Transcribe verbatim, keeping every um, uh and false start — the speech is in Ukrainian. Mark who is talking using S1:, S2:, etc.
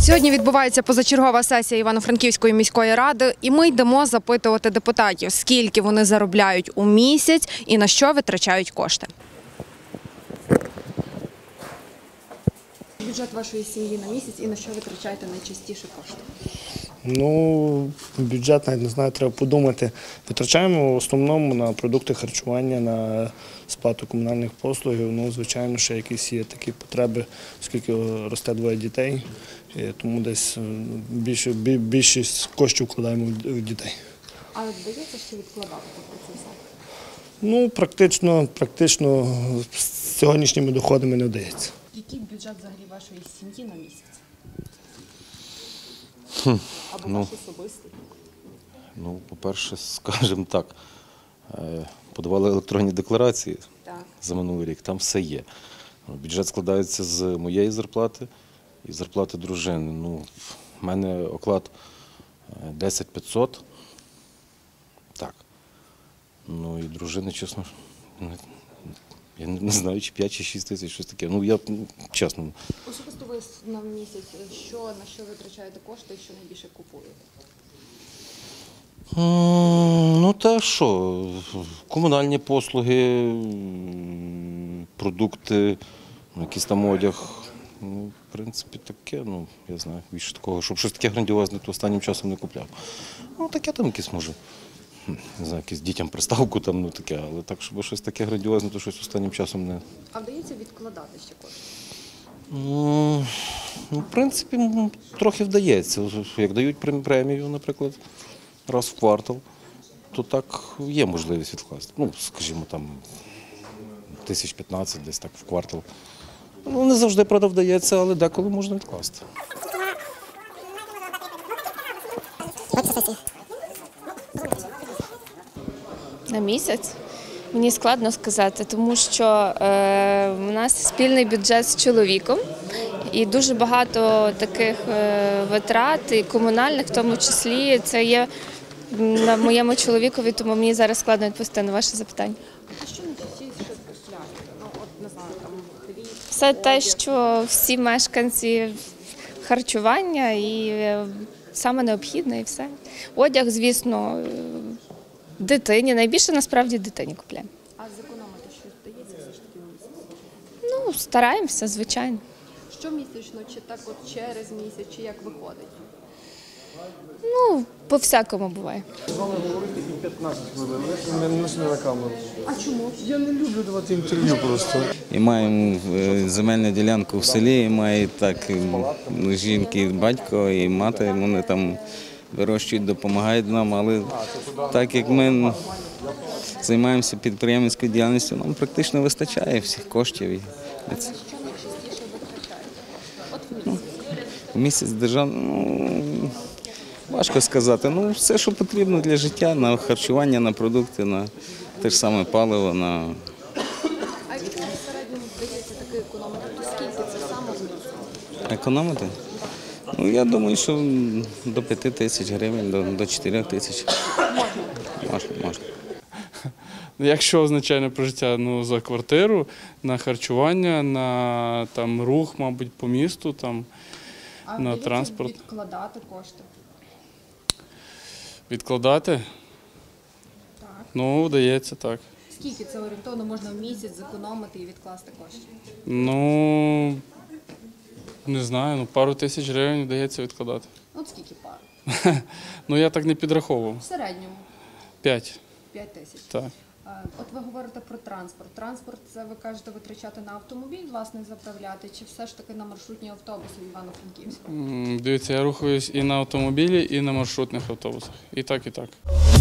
S1: Сьогодні відбувається позачергова сесія Івано-Франківської міської ради, і ми йдемо запитувати депутатів, скільки вони заробляють у місяць і на що витрачають кошти. Бюджет вашої сім'ї на місяць і на що витрачаєте найчастіше кошти?
S2: Ну, бюджет, навіть не знаю, треба подумати. Витрачаємо в основному на продукти харчування, на сплату комунальних послуг. Ну, звичайно, ще якісь є такі потреби, оскільки росте двоє дітей, тому десь більше, більшість коштів вкладаємо в дітей.
S1: А вдається ще відкладати про це все?
S2: Ну, практично, практично з сьогоднішніми доходами не вдається.
S1: Який бюджет взагалі вашої сім'ї на місяць?
S3: Хм,
S1: Або
S3: ну,
S1: ваш особистий?
S3: Ну, по-перше, скажімо так, подавали електронні декларації
S1: Так.
S3: за минулий рік, там все є. Бюджет складається з моєї зарплати і зарплати дружини. Ну, в мене оклад десять тисяч п'ятсот. Так. Ну і дружини, чесно, я не знаю, чи п'ять, чи шість тисяч, щось таке. Ну, я, чесно.
S1: Особисто ви на місяць, що, на що витрачаєте кошти і що найбільше купуєте?
S3: Ну, та що, комунальні послуги, продукти, якийсь там одяг. Ну, в принципі, таке, ну, я знаю, більше такого, щоб щось таке грандіозне, то останнім часом не купляв. Ну, таке там якесь, може, не знаю, якісь дітям приставку там, ну, таке, але так, щоб щось таке грандіозне, то щось останнім часом не...
S1: А вдається відкладати ще кошти?
S3: Ну, в принципі, трохи вдається. Як дають премію, наприклад, раз в квартал, то так є можливість відкласти. Ну, скажімо, там, тисяч п'ятнадцять десь так в квартал. Ну, не завжди, правда, вдається, але деколи можна відкласти.
S4: На місяць? Мені складно сказати, тому що е, у нас спільний бюджет з чоловіком і дуже багато таких е, витрат, і комунальних в тому числі, це є на моєму чоловікові, тому мені зараз складно відповісти на ваше запитання.
S1: А що найчастіше купляєте? Ну, от, не знаю, там, хліб,
S4: Все те, що всі мешканці харчування і е, саме необхідне, і все. Одяг, звісно, е, дитині, найбільше насправді дитині купляємо.
S1: А зекономити щось вдається все ж таки в місяць?
S4: Ну, стараємося, звичайно.
S1: Щомісячно, чи так от через місяць, чи як виходить?
S4: Ну, по-всякому буває.
S5: З вами говорити і п'ятнадцять хвилин, не несу на камеру.
S1: А чому?
S5: Я не люблю давати інтерв'ю просто.
S6: І маємо земельну ділянку в селі, і має так жінки, батько і мати, вони там вирощують, допомагають нам, але так як ми займаємося підприємницькою діяльністю, нам практично вистачає всіх коштів.
S1: А на що найчастіше витрачаєте? От в місяць.
S6: Ну, в місяць державний, ну, важко сказати, ну все, що потрібно для життя, на харчування, на продукти, на те ж саме паливо, на...
S1: А якщо в середньому вдається таки економити, то скільки це саме в місяць?
S6: Економити? Ну, я думаю, що до п'яти тисяч гривень, до, до чотирьох тисяч. Можна, можна.
S7: Якщо означає прожиття, ну, за квартиру, на харчування, на там, рух, мабуть, по місту, там,
S1: А
S7: на
S1: вдається
S7: транспорт.
S1: відкладати кошти?
S7: Відкладати?
S1: Так.
S7: Ну, вдається так.
S1: Скільки це орієнтовно можна в місяць зекономити і відкласти кошти?
S7: Ну, не знаю, ну, пару тисяч гривень вдається відкладати.
S1: От скільки пар?
S7: Ну, я так не підраховував.
S1: В середньому
S7: П'ять.
S1: п'ять тисяч.
S7: Так.
S1: От ви говорите про транспорт. Транспорт – це ви кажете витрачати на автомобіль, власне, заправляти, чи все ж таки на маршрутні автобуси в Івано-Франківську?
S7: М, Дивіться, я рухаюсь і на автомобілі, і на маршрутних автобусах. І так, і так.